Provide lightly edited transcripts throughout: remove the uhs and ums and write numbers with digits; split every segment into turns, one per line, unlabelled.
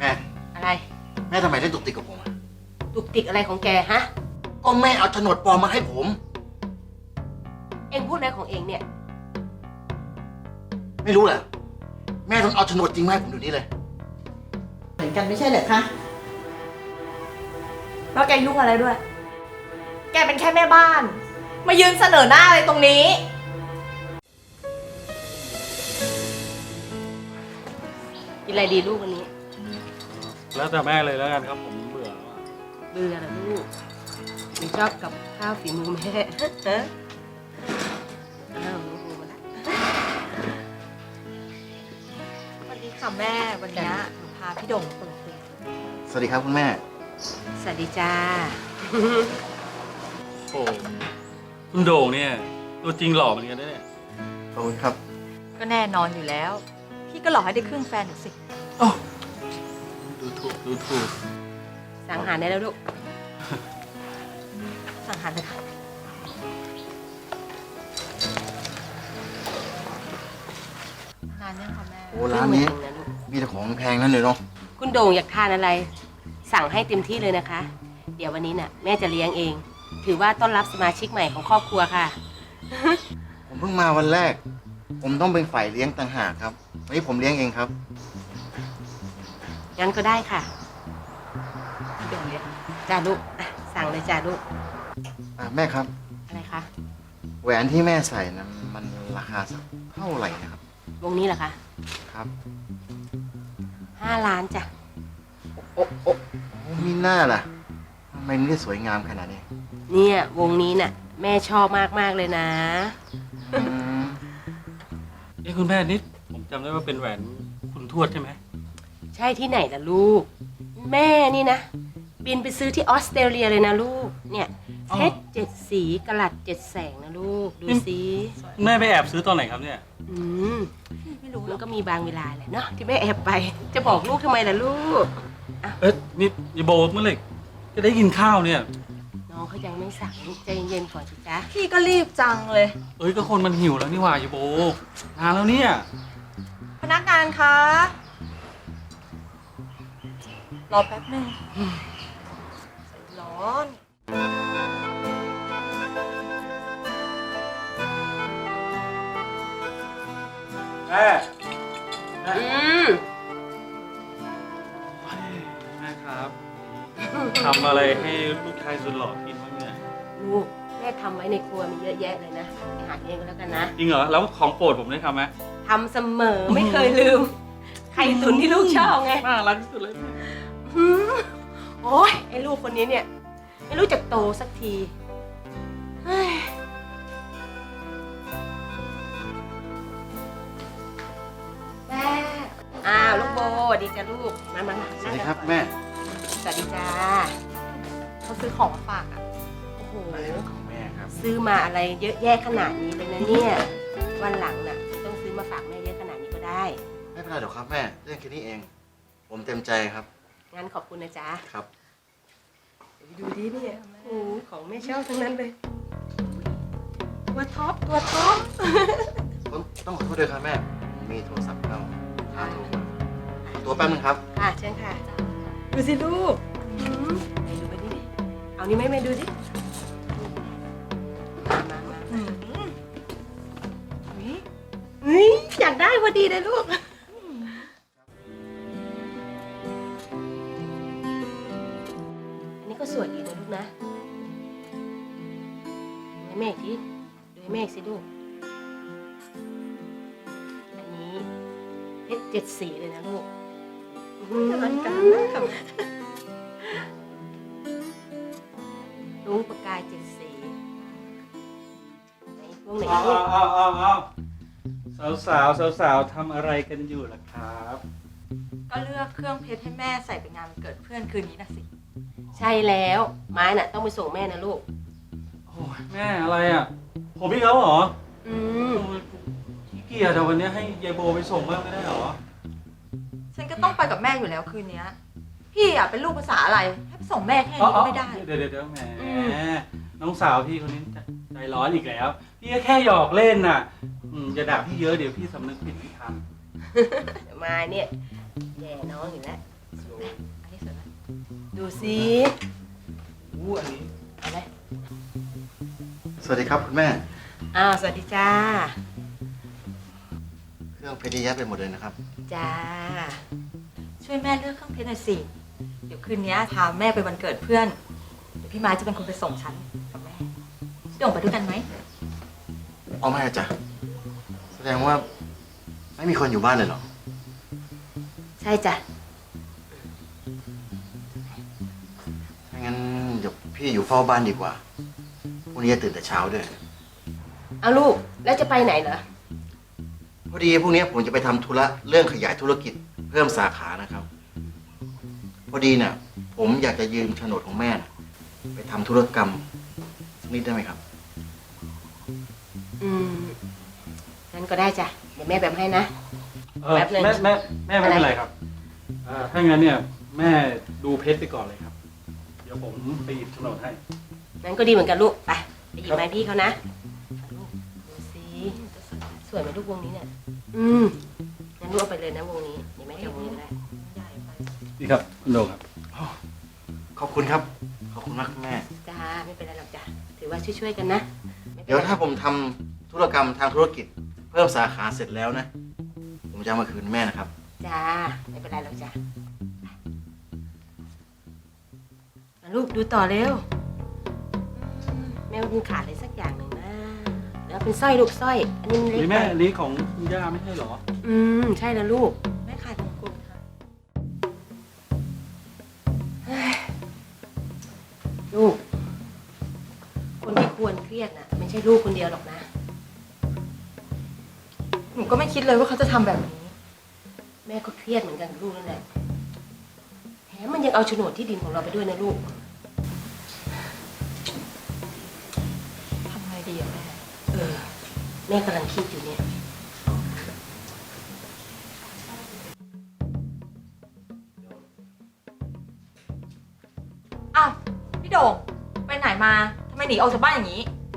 แม่
อะไร
แม่ทำไมได้ตุกติกกับผมอะ
ตุกติกอะไรของแกฮะ
ก็แม่เอาโฉนดปลอมมาให้ผม
เอ็งพูดอะไรของเอ็งเนี่ย
ไม่รู้แหละแม่ต้องเอาโฉนดจริงมาให้ผมเดี๋ยวนี้เลย
เหมือนกันไม่ใช่เหรอคะ
แล้วแกยุ่งอะไรด้วย แกเป็นแค่แม่บ้าน มายืนเสนอหน้าอะไรตรงนี้
กินอะไรดีลูกวันนี้
แล้วแต่แม่เลยแล้วกันครับผมเบื่อแล้วอะ
เบื่อเหรอลูกหนูชอบกับข้าวฝีมือแม่ ฮะอ้าวลูกมาละ
สวัสดีค่ะแม่ วันนี้หนูพาพี่โด่งมาเปิดตัว
สวัสดีครับคุณแม่
สวัสดีจ้า
โอ้คุณโด่งเนี่ยตัวจริงหล่อเหมือนกันนะเนี่ย
ขอบคุณครับ
ก็แน่นอนอยู่แล้ว พี่ก็หลอกให้ได้ครึ่งแฟนหนูสิ
โอ้ดูถูก
สั่งอาหารได้แล้วลูก
สั่งอาหารเลยค่ะนานยังคะแม่
โอ้ร้านนี้มีแต่ของแพงนั่นเลยเนาะ
คุณโด่งอยากทานอะไร สั่งให้เต็มที่เลยนะคะ เดี๋ยววันนี้น่ะแม่จะเลี้ยงเอง ถือว่าต้อนรับสมาชิกใหม่ของครอบครัวค่ะ
ผมเพิ่งมาวันแรก ผมต้องเป็นฝ่ายเลี้ยงต่างหากครับวันนี้ผมเลี้ยงเองครับ
งั้นก็ได้ค่ะ
พี่โด่งเรียก
จ้าลูกอ่ะสั่งเลยจ้าลูก
แม่ครับ
อะไรคะ
แหวนที่แม่ใส่นะมันราคาสักเท่าไหร่นะครับ
วงนี้เหรอคะ
ครับ
5 ล้านจ้ะ
โอ้มีหน้าล่ะทำไมมันได้สวยงามขนาดนี้
เนี่ยวงนี้น่ะแม่ชอบมากๆเลยนะ
อืม
เอ้คุณแม่นิดผมจำได้ว่าเป็นแหวนคุณทวดใช่ไหม
ใช่ที่ไหนล่ะลูก แม่นี่นะ บินไปซื้อที่ออสเตรเลียเลยนะลูก เนี่ยเพชร7 สีกะลัด7 แสงนะลูก ดูสิ
แม่ไปแอบซื้อตอนไหนครับเนี่ย
อืม
ไม่รู้หร
มั
อน ก
ก็มีบางเวลาแหละเนาะที่แม่แอบไป จะบอกลูกทำไมล่ะลูก
เอ๊ะนี่ยายโบเมื่อไหร่จะได้กินข้าวเนี่ย
น้องเขายังไม่สั่งลูกใจเย็นๆก่อนสิจ๊ะ
พี่ก็รีบจังเลย
เอ้ยก็คนมันหิวแล้วนี่หว่ายายโบนานแล้วเนี่ย
พนักงานคะ รอแป๊บหนึงร้อน
แม่
อืม
แม่ครับทำอะไรให้ลูกชายสุดหล่อกินบ้างเนี่ย
ลูกแม่ทำไว้ในครัวมีเยอะแยะเลยนะไปหาเองก็แล้วกันนะ
จริงเหรอแล้วของโปรดผมได้ทำไหม
ทำเสมอไม่เคยลืม ไข่ตุ๋นที่ลูกชอบไง
น่ารักที่สุดเลย
หืมโอ้ยไอ้ลูกคนนี้เนี่ย ไม่รู้จักโตสักทีเฮ้ยแม่อ้าวลูกโบสวัสดีจ้ะลูกมา
สวัสดีครับแม่
สวัสดีจ้า
เขาซื้อของมาฝากอ่ะ
โอ้โห
อะไรของแม่ครับ
ซื้อมาอะไรเยอะแยะขนาดนี้เลยนะเนี่ยวันหลังน่ะไม่ต้องซื้อมาฝากแม่เยอะขนาดนี้ก็ได้
ไม่เป็นไรหรอกครับแม่เรื่องแค่นี้เอง ผมเต็มใจครับ
งั้นขอบคุณนะจ๊ะ
ครับ
ดูดิเนี่ยโอ้โหของแม่ชอบทั้งนั้นเลยตัวท็อปตัวท็อป
ต้องขอโทษด้วยครับแม่ผมมีโทรศัพท์เข้าหาโทรมาขอตัวแป๊บนึงครับ
ค่ะเชิญค่ะดูสิลูกไหนดูไปดิเอานี่ไม่ดูสิมา
อืม
เฮ้ยอยากได้พอดีเลยลูกอันนี้ก็สวยดีนะลูกนะดูให้แม่อีกทีดูให้แม่อีกสิลูกอันนี้เพชร7 สีเลยนะลูก
รักกันนะ
ลุงประกาย7 สีไหนพวกไหน
เอา
ลูก
สาวทำอะไรกันอยู่ล่ะครับ
ก็เลือกเครื่องเพชรให้แม่ใส่ไปงานวันเกิดเพื่อนคืนนี้นะสิ
ใช่แล้วไม้น่ะต้องไปส่งแม่นะลูก
โอ้ยแม่อะไรอ่ะ ผมพี่เขาเหรอ
อืม
ขี้เกียจแต่วันนี้ให้ยายโบไปส่งบ้างไม่ได้เหรอ
ฉันก็ต้องไปกับแม่อยู่แล้วคืนนี้ พี่อ่ะเป็นลูกภาษาอะไร ให้ไปส่งแม่แค่นี้ก็ไม่ได้
เดี๋ยวแหมน้องสาวพี่คนนี้ใจร้อนอีกแล้ว พี่ก็แค่หยอกเล่นน่ะอย่าด่าพี่เยอะเดี๋ยวพี่สำนึกผิดไม่ท
ไม้เนี่ยแย่น้องอยู่แล้ว
ำ
อันนี้สวยไหม
ดูสิ
อู้อันนี้
อะไร
สวัสดีครับคุณแม่
อ้าวสวัสดีจ้า
เครื่องเพชรเยอะแยะไปหมดเลยนะครับ
จ้า
ช่วยแม่เลือกเครื่องเพชรหน่อยสิ เดี๋ยวคืนนี้พาแม่ไปวันเกิดเพื่อน เดี๋ยวพี่ไม้จะเป็นคนไปส่งฉันกับแม่พี่โด่งไปด้วยกันไหม
เอาไม่จ้ะแสดงว่าไม่มีคนอยู่บ้านเลยเหรอ
ใช่จ้ะ
ถ้างั้นเดี๋ยวพี่อยู่เฝ้าบ้านดีกว่าพรุ่งนี้จะตื่นแต่เช้าด้วย
เอาลูก แล้วจะไปไหนเหรอ
พอดีพรุ่งนี้ผมจะไปทำธุระเรื่องขยายธุรกิจเพิ่มสาขานะครับ พอดีเนี่ยผมอยากจะยืมโฉนดของแม่น่ะไปทำธุรกรรมสักนิดได้ไหมครับ
อืมงั้นก็ได้จ้ะ เดี๋ยวแม่แบบให้นะ
แม่
แป๊บนึง
แม่ไม่เป็นไรครับถ้างั้นเนี่ยแม่ดูเพชรไปก่อนเลยครับ เดี๋ยวผมไปหยิบโฉนดให้
งั้นก็ดีเหมือนกันลูก ไปหยิบไม้พี่เขานะลูกดูสิสวยไหมลูกวงนี้เนี่ย งั้นลูกเอาไปเลยนะวงนี้ เดี๋ยวแม่จะเอาวงนี้ก็ได้
ใหญ่ไป
นี่ครับคุณโดงครับ
ขอบคุณครับ ขอบคุณมากแม่
จ้า ไม่เป็นไรหรอกจ้ะ ถือว่าช่วยๆกันนะไม่ป็นไร
เดี๋ยวถ้าผมทำธุรกรรมทางธุรกิจ เพิ่มสาขาเสร็จแล้วนะ ผมจะเอามาคืนแม่นะครับ
จ้า ไม่เป็นไรหรอกจ้ะมาลูกดูต่อเร็วแม่ว่ามันขาดอะไรสักอย่างหนึ่งนะแล้วเป็นสร้อยลูกสร้อย อันนี้มันเล็ก
นี่
ไป
แม่อันนี้ของคุณย่าไม่ใช่เหรอ
ใช่แล้วลูก
แม่ขายมงกุฎค่ะ
ลูก คนที่ควรเครียดน่ะ ไม่ใช่ลูกคนเดียวหรอกนะ
หนูก็ไม่คิดเลยว่าเขาจะทำแบบนี้
แม่ก็เครียดเหมือนกันกับลูกนั่นแหละแถมมันยังเอาโฉนดที่ดินของเราไปด้วยนะลูก
ทำไงดีอะแม่
แม่กำลังคิดอยู่เนี่ย
อ้าวพี่โด่งไปไหนมาทำไมหนีออกจากบ้านอย่างนี้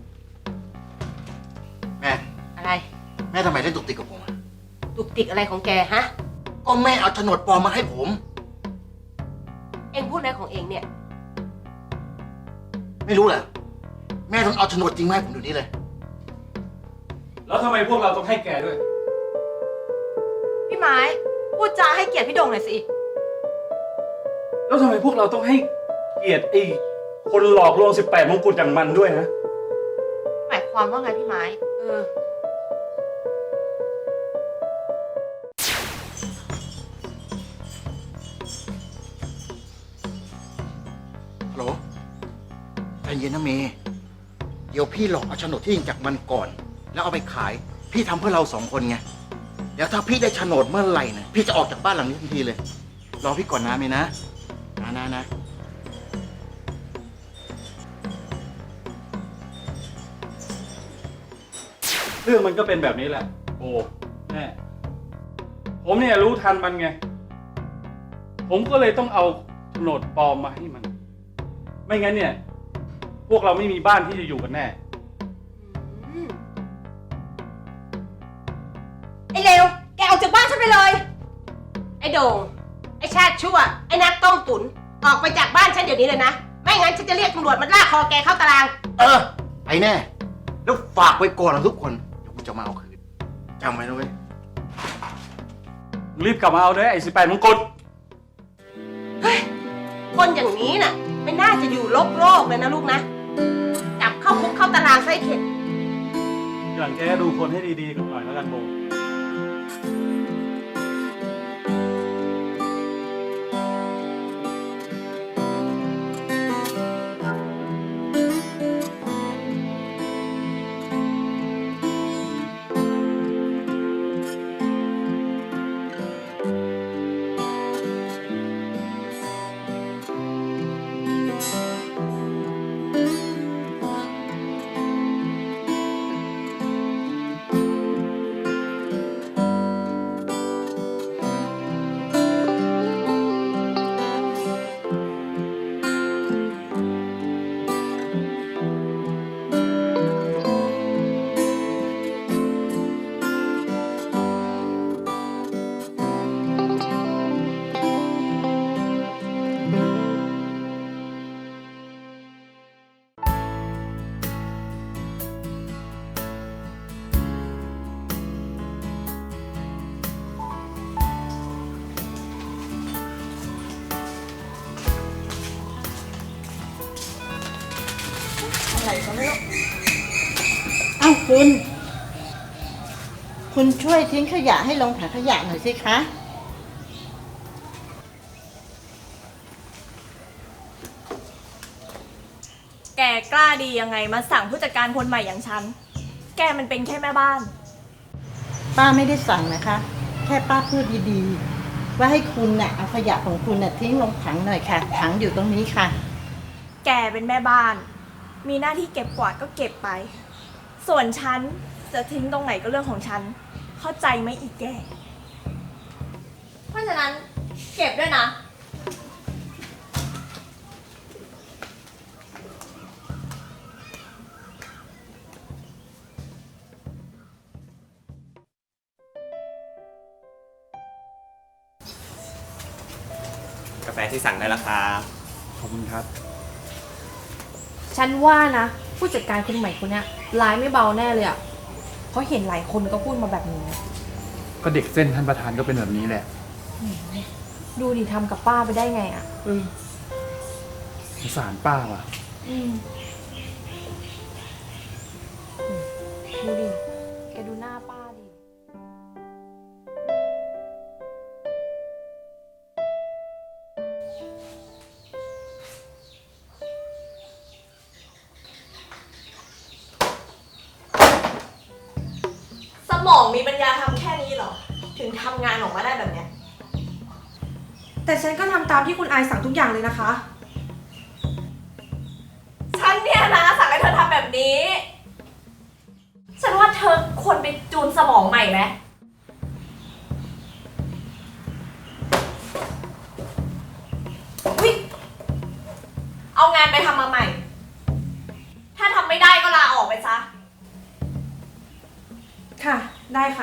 แม่
อะไร
แม่ทำไมเล่นตุกติกกับผมอะ
ตุกติกอะไรของแกฮะ
ก็แม่เอาโฉนดปลอมมาให้ผม
เอ็งพูดอะไรของเอ็งเนี่ย
ไม่รู้แหละแม่ต้องเอาโฉนดจริงมาให้ผมดูนี้เลย
แล้วทำไมพวกเราต้องให้แกด้วย
พี่ไม้พูดจาให้เกียรติพี่โด่งหน่อยสิ
แล้วทำไมพวกเราต้องให้เกียรติไอ้คนหลอกลวง18 มงกุฎอย่างมันด้วยนะ
หมายความว่าไงพี่ไม้
ฮัลโหลใจเย็นนะเมย์เดี๋ยวพี่หลอกเอาโฉนดที่ดินจากมันก่อน แล้วเอาไปขาย พี่ทำเพื่อเราสองคนไง เดี๋ยวถ้าพี่ได้โฉนดเมื่อไหร่นะพี่จะออกจากบ้านหลังนี้ทันทีเลย รอพี่ก่อนนะเมย์นะนะ
เรื่องมันก็เป็นแบบนี้แหละ โอ้แม่ผมเนี่ยรู้ทันมันไง ผมก็เลยต้องเอาโฉนดปลอมมาให้มัน ไม่งั้นเนี่ย พวกเราไม่มีบ้านที่จะอยู่กันแน่
ไอ้เลวแกออกจากบ้านฉันไปเลย
ไอ้โด่งไอ้ชาติชั่ว ไอ้นักต้มตุ๋นออกไปจากบ้านฉันเดี๋ยวนี้เลยนะ ไม่งั้นฉันจะเรียกตำรวจมาลากคอแกเข้าตาราง
ไปแน่ แล้วฝากไว้ก่อนนะทุกคน เดี๋ยวกูจะมาเอาคืนจำไว้นะเว้ย
รีบกลับมาเอาด้วยไอ้18 มงกุฎ
คนอย่างนี้น่ะ ไม่น่าจะอยู่โลกเลยนะลูกนะ จับเข้าคุกเข้าตารางไส้เข็ด
อย่างแกดูคนให้ดีๆกันหน่อยแล้วกันโบ
อะไรก็ไม่รู้เอ้าคุณช่วยทิ้งขยะให้ลงถังขยะหน่อยสิคะ
แกกล้าดียังไงมาสั่งผู้จัดการคนใหม่อย่างฉัน แกมันเป็นแค่แม่บ้าน
ป้าไม่ได้สั่งนะคะ แค่ป้าพูดดีๆ ว่าให้คุณน่ะเอาขยะของคุณน่ะทิ้งลงถังหน่อยค่ะ ถังอยู่ตรงนี้ค่ะ
แกเป็นแม่บ้าน มีหน้าที่เก็บกวาดก็เก็บไป ส่วนฉันจะทิ้งตรงไหนก็เรื่องของฉัน เข้าใจไหมอีกแก เพราะฉะนั้นเก็บด้วยนะ
กาแฟที่สั่งได้แล้วครับ
ขอบคุณครับ
ฉันว่านะ ผู้จัดการคนใหม่คนเนี้ยร้ายไม่เบาแน่เลยอ่ะเพราะเห็นหลายคนก็พูดมาแบบนี้
ก็เด็กเส้นท่านประธานก็เป็นแบบนี้แหละ
ดูดิทำกับป้าไปได้ไงอ่ะ
สงสารป้าว่ะ
ดูดิ แกดูหน้าป้าดิ
สมองมีปัญญาทำแค่นี้เหรอ ถึงทำงานออกมาได้แบบเนี้ย
แต่ฉันก็ทำตามที่คุณอายสั่งทุกอย่างเลยนะคะ
ฉันเนี่ยนะสั่งให้เธอทำแบบนี้ ฉันว่าเธอควรไปจูนสมองใหม่ไหมอุ๊ยเอางานไปทำมาใหม่ ถ้าทำไม่ได้ก็ลาออกไปซะ
ค่ะ ได้ค่ะ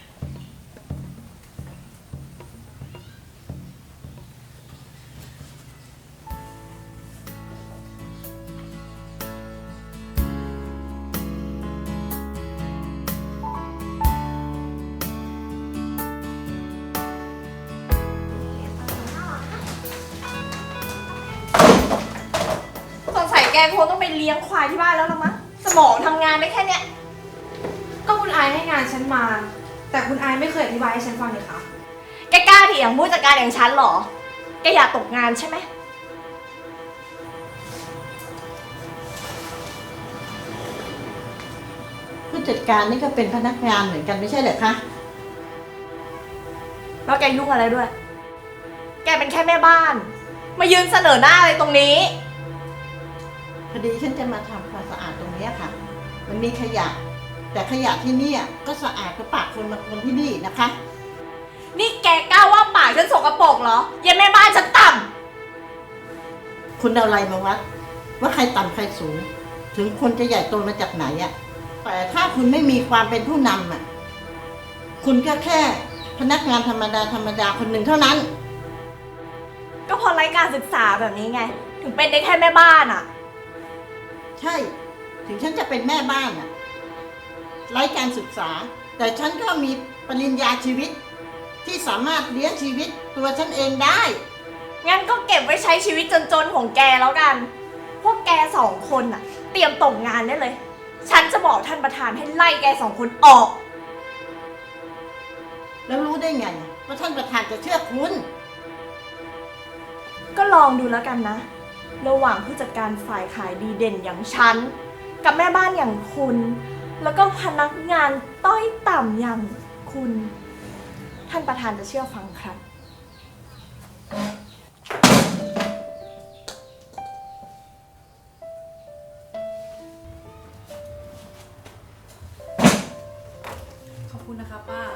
สงสัยแกคงต้องไปเลี้ยงควายที่บ้านแล้วละมั้ง สมองทำงานได้แค่เนี้ย
ก็คุณอายให้งานฉันมา แต่คุณอายไม่เคยอธิบายให้ฉันฟังเลยค่ะ
แกกล้าเถียงผู้จัดการอย่างฉันเหรอ แกอยากตกงานใช่ไหม
ผู้จัดการนี่ก็เป็นพนักงานเหมือนกันไม่ใช่เหรอคะ
แล้วแกยุ่งอะไรด้วย แกเป็นแค่แม่บ้าน มายืนเสนอหน้าอะไรตรงนี้
พอดีฉันจะมาทำความสะอาดตรงเนี้ยค่ะ มันมีขยะ แต่ขยะที่เนี่ยก็สะอาดกว่าปากคนมาคนที่นี่นะคะ
นี่แกกล้าว่าปากฉันสกปรกเหรอเยันแม่บ้านฉันต่
คุณเอาอะไรมาวัด ว่าใครต่ำใครสูง ถึงคนจะใหญ่โตมาจากไหนอะแต่ถ้าคุณไม่มีความเป็นผู้นำอะคุณก็แค่พนักงานธรรมดาคนหนึ่งเท่านั้น
ำก็เพอไร้การศึกษาแบบนี้ไง ถึงเป็นได้แค่แม่บ้านอะ
ใช่ ถึงฉันจะเป็นแม่บ้านอะไร้การศึกษา แต่ฉันก็มีปริญญาชีวิต ที่สามารถเลี้ยงชีวิตตัวฉันเองได้
งั้นก็เก็บไว้ใช้ชีวิตจนๆของแกแล้วกัน พวกแกสองคนน่ะ เตรียมตกงานได้เลย ฉันจะบอกท่านประธานให้ไล่แกสองคนออก
แล้วรู้ได้ไงว่าท่านประธานจะเชื่อคุณ
ก็ลองดูแล้วกันนะ ระหว่างผู้จัดการฝ่ายขายดีเด่นอย่างฉัน กับแม่บ้านอย่างคุณ แล้วก็พนักงานต้อยต่ำอย่างคุณ ท่านประธานจะเชื่อฟังครับ
ขอบคุณนะคะป้า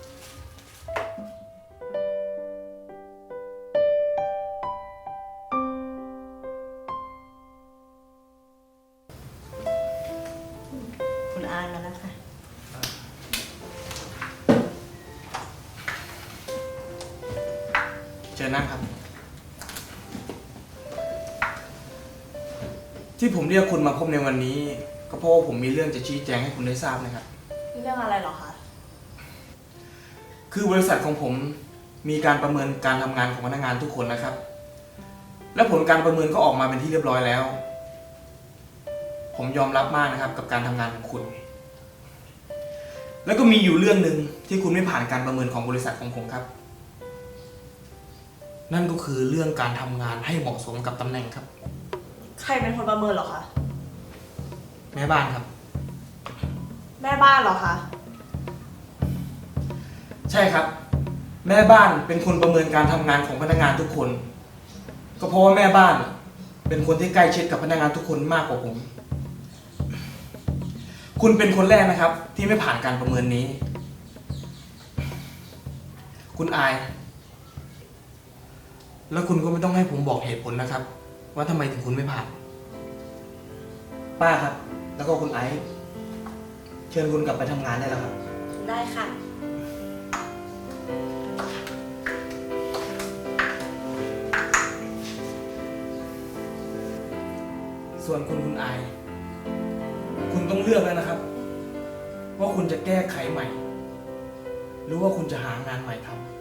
คุณอายมาแล้วค่ะ
เชิญนั่งครับ ที่ผมเรียกคุณมาพบในวันนี้ ก็เพราะว่าผมมีเรื่องจะชี้แจงให้คุณได้ทราบนะครับ
เรื่องอะไรเหรอคะ
คือบริษัทของผมมีการประเมินการทำงานของพนักงานทุกคนนะครับ และผลการประเมินก็ออกมาเป็นที่เรียบร้อยแล้วผมยอมรับมากนะครับ กับการทำงานของคุณ แล้วก็มีอยู่เรื่องหนึ่งที่คุณไม่ผ่านการประเมินของบริษัทของผมครับ นั่นก็คือเรื่องการทำงานให้เหมาะสมกับตำแหน่งครับ
ใครเป็นคนประเมินเหรอคะ
แม่บ้านครับ
แม่บ้านเหรอคะ
ใช่ครับ แม่บ้านเป็นคนประเมินการทำงานของพนักงานทุกคน ก็เพราะว่าแม่บ้านเป็นคนที่ใกล้ชิดกับพนักงานทุกคนมากกว่าผม คุณเป็นคนแรกนะครับ ที่ไม่ผ่านการประเมินนี้ คุณอาย แล้วคุณก็ไม่ต้องให้ผมบอกเหตุผลนะครับ ว่าทำไมถึงคุณไม่ผ่าน ป้าครับ แล้วก็คุณไอซ์เชิญคุณกลับไปทำงานได้แล้วครับ
ได้ค่ะ
ส่วนคุณอาย คุณต้องเลือกแล้วนะครับ ว่าคุณจะแก้ไขใหม่ หรือว่าคุณจะหางานใหม่ทำ